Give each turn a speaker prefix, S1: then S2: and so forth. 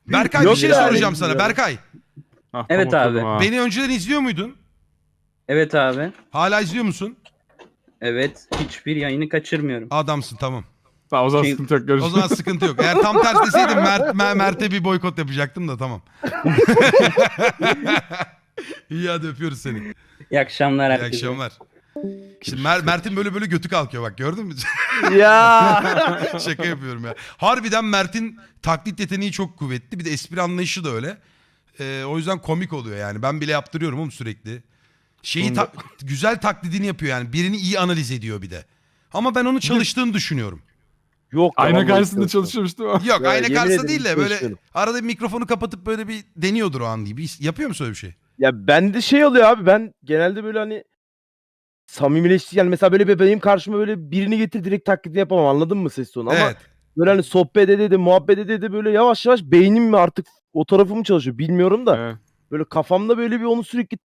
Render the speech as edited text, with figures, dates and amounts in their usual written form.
S1: Berkay
S2: Yok
S1: bir şey
S2: ya,
S1: soracağım sana.
S2: bilmiyorum.
S1: Berkay.
S3: Evet abi.
S1: Beni önceden izliyor muydun?
S3: Evet abi.
S1: Hala izliyor musun?
S3: Evet. Hiçbir yayını kaçırmıyorum.
S1: Adamsın tamam.
S4: Tamam, o zaman
S3: Şey-
S4: sıkıntı yok.
S1: O
S4: Görüşürüz.
S1: zaman sıkıntı yok. Eğer tam ters deseydim Mert'e bir boykot yapacaktım da tamam. İyi hadi öpüyoruz seni.
S3: İyi akşamlar
S1: İyi
S3: herkese.
S1: akşamlar. Şimdi Mert'in böyle götü kalkıyor bak gördün mü?
S2: Ya.
S1: Şaka yapıyorum ya. Harbiden Mert'in taklit yeteneği çok kuvvetli. Bir de espri anlayışı da öyle. O yüzden komik oluyor yani. Ben bile yaptırıyorum oğlum sürekli. Güzel taklidini yapıyor yani. Birini iyi analiz ediyor bir de. Ama ben onu çalıştığını düşünüyorum.
S2: Yok.
S4: Ayna
S2: vallahi
S4: karşısında
S2: yok.
S4: çalışıyormuş değil mi?
S1: Yok
S2: Ya,
S1: ayna
S2: yemin
S1: karşısında
S2: ederim
S1: değil de
S2: hiç
S1: böyle
S2: çalışmıyorum.
S1: arada bir mikrofonu kapatıp böyle bir deniyordur o an gibi. Yapıyor musun öyle bir şey?
S2: Ya bende şey oluyor abi, ben genelde böyle hani samimileşti yani, mesela böyle benim karşıma böyle birini getir, direkt taklidi yapamam, anladın mı ses tonu, ama
S1: Evet.
S2: böyle hani sohbet ede de muhabbet ede de böyle yavaş yavaş beynim mi artık o tarafı mı çalışıyor bilmiyorum da
S4: Evet.
S2: böyle kafamda böyle bir onu sürekli